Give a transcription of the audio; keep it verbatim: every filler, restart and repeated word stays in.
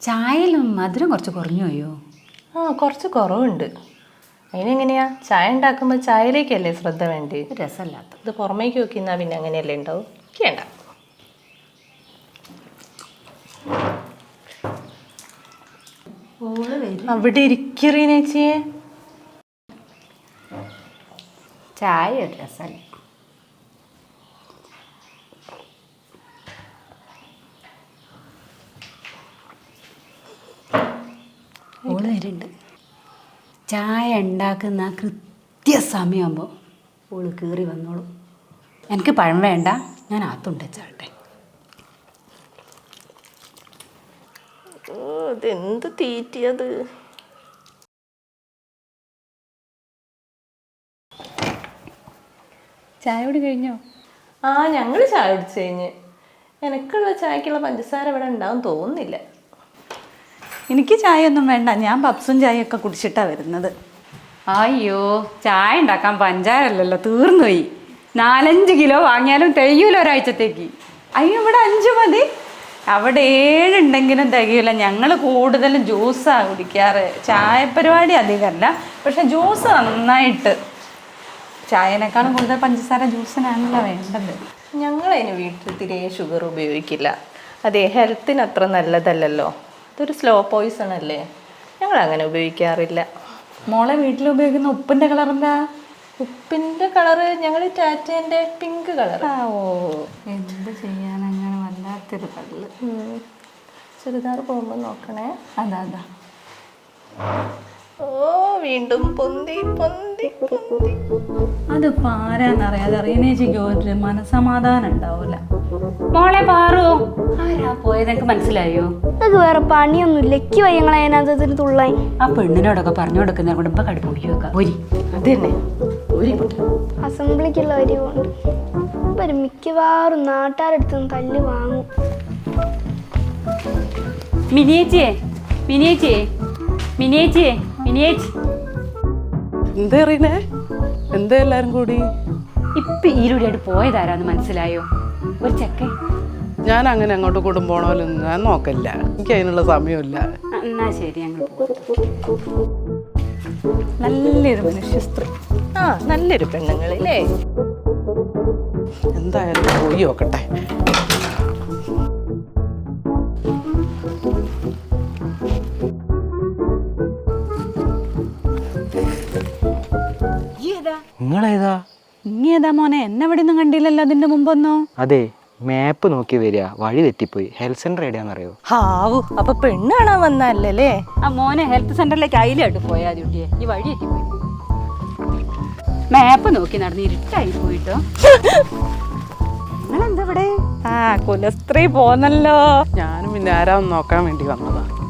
ചായയിലും മധുരം കുറച്ച് കുറഞ്ഞു പോയോ? ആ കുറച്ച് കുറവുണ്ട്. അതിനെങ്ങനെയാ ചായ ഉണ്ടാക്കുമ്പോൾ ചായയിലേക്കല്ലേ ശ്രദ്ധ വേണ്ടി? രസമല്ലാത്ത ഇത് പുറമേക്ക് നോക്കിന്നാ പിന്നെ അങ്ങനെയല്ലേ ഉണ്ടാവും. കേണ്ട അവിടെ ഇരിക്കറീനേച്ചിയെ. ചായ ഒരു രസമല്ല. ഓള് വരുന്നുണ്ട്. ചായ ഉണ്ടാക്കുന്ന കൃത്യസമയമാകുമ്പോൾ ഓള് കയറി വന്നോളും. എനിക്ക് പഴം വേണ്ട, ഞാൻ ആത്തുണ്ട് ചാട്ടെ. ഇതെന്ത് തീറ്റിയത്. ചായ കൂടി കഴിഞ്ഞോ? ആ ഞങ്ങൾ ചായ കുടിച്ചു കഴിഞ്ഞ്. എനിക്കുള്ള ചായക്കുള്ള പഞ്ചസാര ഇവിടെ ഉണ്ടാവും തോന്നുന്നില്ല. എനിക്ക് ചായ ഒന്നും വേണ്ട, ഞാൻ പപ്സും ചായയൊക്കെ കുടിച്ചിട്ടാണ് വരുന്നത്. അയ്യോ, ചായ ഉണ്ടാക്കാൻ പഞ്ചാരല്ലല്ലോ, തീർന്നുപോയി. നാലഞ്ച് കിലോ വാങ്ങിയാലും തികയൂല ഒരാഴ്ചത്തേക്ക്. അയ്യോ, ഇവിടെ അഞ്ച് മതി. അവിടെ ഏഴുണ്ടെങ്കിലും തികയില്ല. ഞങ്ങൾ കൂടുതലും ജ്യൂസാണ് കുടിക്കാറ്. ചായ പരിപാടി അധികമല്ല, പക്ഷെ ജ്യൂസ് നന്നായിട്ട്. ചായനേക്കാളും കൂടുതൽ പഞ്ചസാര ജ്യൂസിനാണല്ലോ വേണ്ടത്. ഞങ്ങളതിന് വീട്ടിൽ തിരെ ഷുഗർ ഉപയോഗിക്കില്ല. അതെ, ഹെൽത്തിന് അത്ര നല്ലതല്ലല്ലോ. ഇതൊരു സ്ലോ പോയിസൺ അല്ലേ, ഞങ്ങൾ അങ്ങനെ ഉപയോഗിക്കാറില്ല. മോളെ വീട്ടിൽ ഉപയോഗിക്കുന്ന ഉപ്പിൻ്റെ കളർ എന്താ? ഉപ്പിൻ്റെ കളറ് ഞങ്ങൾ ടാറ്റേൻ്റെ പിങ്ക് കളർ. ഓ, എന്ത് ചെയ്യാൻ, അങ്ങനെ വല്ലാത്തൊരു കള്ള്. ചുരിദാർ പോകുമ്പോൾ നോക്കണേ. അതാ അതാ ഓ, വീണ്ടും പൊന്തി പൊന്തി പൊന്തി. അത് പാരാന്നറിയാതെ റീനേജിക്ക് ഒരു മനസമാധാനം ഉണ്ടാവൂല. മോളെ പാറു, ആരാ പോയത്? എനിക്ക് മനസ്സിലായോ? നമുക്ക് വേറെ പണിയൊന്നുമില്ല. എക്കി വയ്യങ്ങളെ അതിനകത്ത് തുള്ളായി. ആ പെണ്ണിനോടൊക്കെ പറഞ്ഞു കൊടുക്കുന്ന കുടുംബ കടുപ്പ് മുടിക്ക് വെക്കാം. ഒരു അത് തന്നെ ഒരു അസംബ്ലിക്കുള്ള വരി കൊണ്ട് ഒരു മിക്കവാറും നാട്ടുകാരെടുത്ത് തല്ല് വാങ്ങും. മിനിയേച്ചിയെ മിനിയേച്ചിയെ മിനിയേച്ചിയെ മിനിയേച്ചി, എന്താ അറിയണേ? എന്താ എല്ലാരും കൂടി? ഇപ്പൊ ഈരുടെയായിട്ട് പോയതാരാന്ന് മനസ്സിലായോ? ഒരു ചെക്കൻ. ഞാൻ അങ്ങനെ അങ്ങോട്ട് കുടുംബോണോലൊന്നും ഞാൻ നോക്കില്ല, എനിക്ക് അതിനുള്ള സമയമില്ല. എന്നാ ശരി, ഞങ്ങൾ നല്ലൊരു മനുഷ്യ സ്ത്രീ. ആ നല്ലൊരു പെണ്ണുങ്ങളില്ലേ. എന്തായാലും പോയി നോക്കട്ടെ. നിങ്ങളേതാ? ഇനി ഏതാ മോനെ? എന്നെ ഇവിടെ ഒന്നും കണ്ടില്ലല്ലോ അതിന്റെ മുമ്പൊന്നോ? അതെ, മാപ്പ് നോക്കി വരിക, വഴി തെറ്റിപ്പോയി. Health centre എവിടെയാണെന്നറിയോ? ഹാവു, അപ്പൊ പെണ്ണ് കാണാൻ വന്നല്ലേ? ആ മോനെ ഹെൽത്ത് സെന്ററിലേക്ക് അയിലായിട്ട് പോയാ ഡ്യൂട്ടിയെ. ഈ വഴി എത്തിപ്പോയി. മാപ്പ് നോക്കി നടന്ന് ഇരുട്ടായി പോയിട്ടോ. നിങ്ങളെന്താ ഇവിടെ? ആ കുലസ്ത്രീ പോന്നല്ലോ. ഞാനും പിന്നെ ആരാന്ന് നോക്കാൻ വേണ്ടി വന്നതാ.